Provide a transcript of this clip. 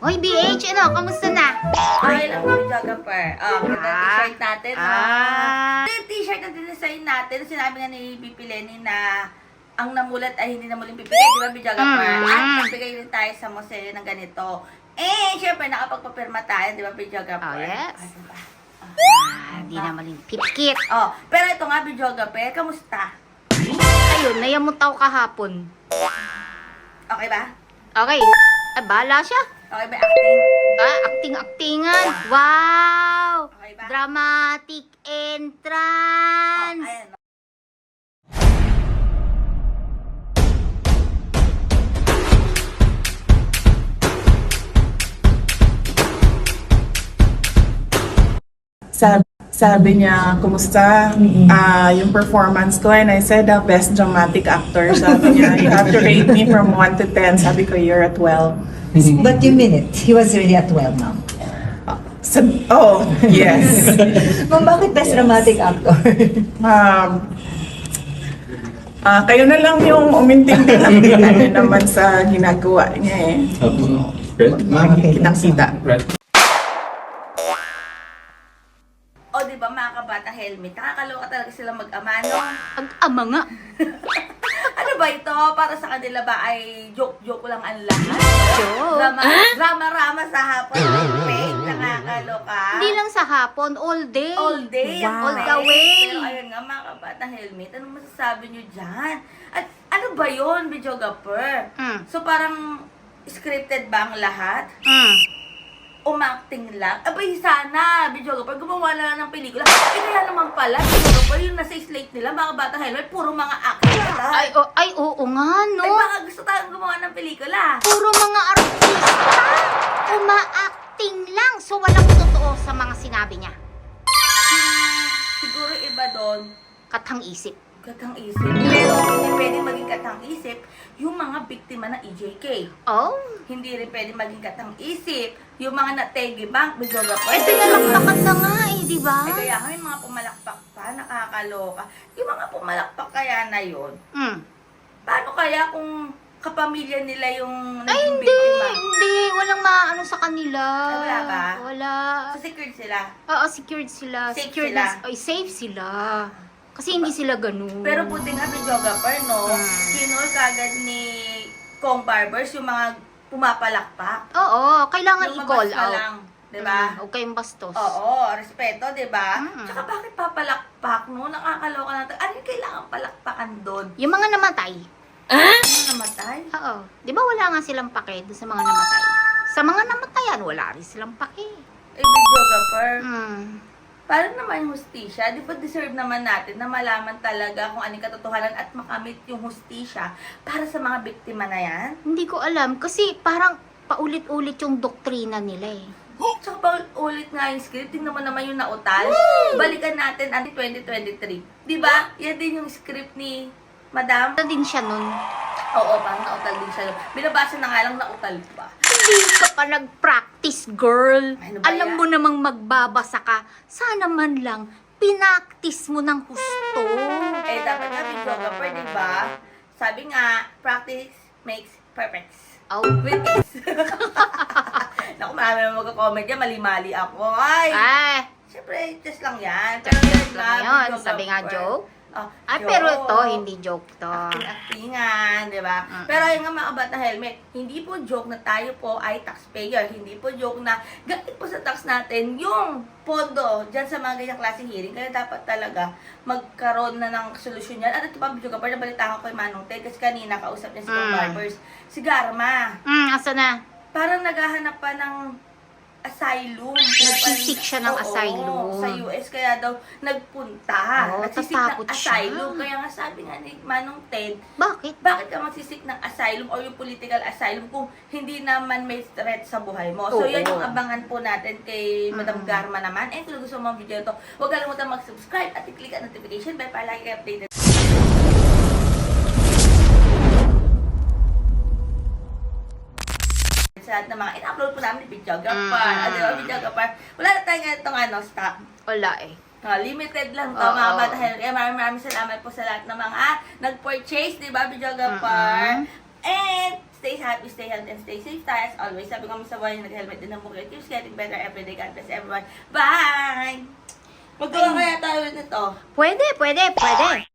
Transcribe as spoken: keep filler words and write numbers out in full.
Hoy, B H, ano? Kamusta na? Okay lang, videographer. Oh, ganda Ah. t-shirt natin. Ah. Ah. Ito yung t-shirt na dinesign natin. Sinabi nga ni B P Lenny na ang namulat ay hindi na muling pipigay, di ba, videographer? Mm. At nagbigay rin tayo sa museo ng ganito. Eh, syempre, nakapagpapirma tayo, di ba, videographer? Oh, yes. Ay, diba? Ah, di na maling pitkit. Oh, pero ito nga, videographer, kamusta? Ayun, nayamot ako kahapon. Okay ba? Okay. Ay, bahala siya. Okay ba acting? Ah, acting-actingan. Wow! Okay ba? Dramatic Oh, entrance. ayan. Sabi, sabi niya, kumusta ah yung performance ko? And I said, the best dramatic actor. Sabi niya, you have to rate me from one to ten. Sabi ko, you're at twelve. But you mean it. He was really at twelve, ma'am. Sab- oh, yes. Ma'am, bakit best dramatic actor? Um, ah kayo na lang yung umintindi lang din ano naman sa ginagawa niya eh. Red? Okay. Kitang-kita. Red? O, di ba, mga kabatang helmet? Nakakaloka talaga sila mag-ama, no? Ag-ama nga. Ano ba ito? Para sa kanila ba ay joke-joke lang ang lahat? Joke. Drama, drama-rama sa hapon. Fake, nakakaloka. Hindi lang sa hapon, all day. All day. ang All fake. the way. Pero ayun nga, mga kabatang helmet, anong masasabi nyo dyan? At ano ba yun, videographer? Mm. So parang scripted ba ang lahat? Mm. Umacting lang? Abay, sana, videographer, gumawa na lang ng pelikula. Eh, kaya naman pala, videographer, yung nasa slate nila, mga batang helmet, puro mga acting. Ay, oh, ay, oo nga, no? Ay, baka gusto tayong gumawa ng pelikula. Puro mga artista. Uma-acting lang. So, walang totoo sa mga sinabi niya. Siguro iba doon, Katang isip. katang isip. Pero hindi pwede maging katang isip yung mga biktima ng E J K. Oh? Hindi rin pwede maging katang isip yung mga nategi bank, videographer. Eh, pinalakpakan na nga eh, di ba? Eh, kaya nga yung mga pumalakpak pa, nakakaloka. Yung mga pumalakpak kaya na yun, Mm. paano kaya kung kapamilya nila yung Ay, naging hindi. biktima? Hindi. Walang maano sa kanila. Ay, wala ba? Wala. So, secured sila. Oo, secured sila. Safe secured sila. na- Ay, safe sila. Kasi hindi sila ganun. Pero buti nga videographer, no? Hmm. Kinol kagad ni Kong Barbers yung mga pumapalakpak. Oo, kailangan Yung i-call mabas na out. lang, di ba? Mm, huwag kayong bastos. Oo, respeto, di ba? Mm. Tsaka bakit papalakpak, no? Nakakaloka natin. Ano yung kailangan palakpakan doon? Yung mga namatay. Ano namatay? Oo. Di ba wala nga silang pake doon sa mga namatay? Sa mga namatayan, wala rin silang pake. Eh, videographer, Mm. paano naman yung hustisya? Di ba deserve naman natin na malaman talaga kung ano yung katotohanan at makamit yung hustisya para sa mga biktima na yan? Hindi ko alam. Kasi parang paulit-ulit yung doktrina nila eh. Tsaka pa ulit nga yung script, tingnan mo naman yung nautal. Balikan natin ang twenty twenty-three. Di ba? Yan din yung script ni Madam. Ano din siya nun? Oo, parang nautal din siya. Binabasa na nga lang nautal pa. Hindi ka pa nag-practice, girl. Ano ba Alam yan? mo namang magbabasa ka. Sana man lang, pinaktis mo ng husto. Eh, dapat nga videographer, di ba? Sabi nga, practice makes perfect. Oh. With this. Naku, marami naman magka-comment dyan. Mali-mali ako. Ay! Ay, Siyempre, just lang yan. just yun lang nga, yun. Sabi nga, joke. Oh, Ay, joke. pero ito, hindi joke to. Acting-actingan, di ba? Mm-mm. Pero ayun nga mga kabata helmet, hindi po joke na tayo po ay taxpayer. Hindi po joke na galit po sa tax natin yung pondo dyan sa mga ganyang klaseng hearing. Kaya dapat talaga magkaroon na ng solusyon yan. At ito pa, video ka pa, nabalitaan ko kay Manong Ted kasi kanina kausap niya si Kong Mm. Barbers. Si Garma, Hmm, asa na? parang naghahanap pa ng asylum. Nagsisik siya ng Oo, asylum. sa U S, kaya daw nagpunta. Oo, Nagsisik ng tatakot siya. asylum. Kaya nga sabi nga ni Manong Ted, Bakit? bakit ka magsisik ng asylum or yung political asylum kung hindi naman may threat sa buhay mo? So, Oo. yan yung abangan po natin kay Madam Mm. Garma naman. And kung gusto mo ang video ito, huwag kalimutan mag-subscribe at i-click ang notification bell para lagi kayo updated. Sa lahat ng mga in-upload po namin ni videographer. Mm. Ano yung videographer? Wala na tayo nga itong ano, stock. Wala eh. Ah, limited lang to, Oo. mga bata. Kaya maraming maraming salamat po sa lahat ng mga nag-purchase, di ba, videographer? Mm-mm. And stay happy, stay healthy, and stay safe tayo. As always, sabi ko sa buhay, nag-helmet din ang bukit. Keeps getting better every day. God bless everyone. Bye! Magkawa kaya tayo ulit nito. Pwede, pwede, pwede.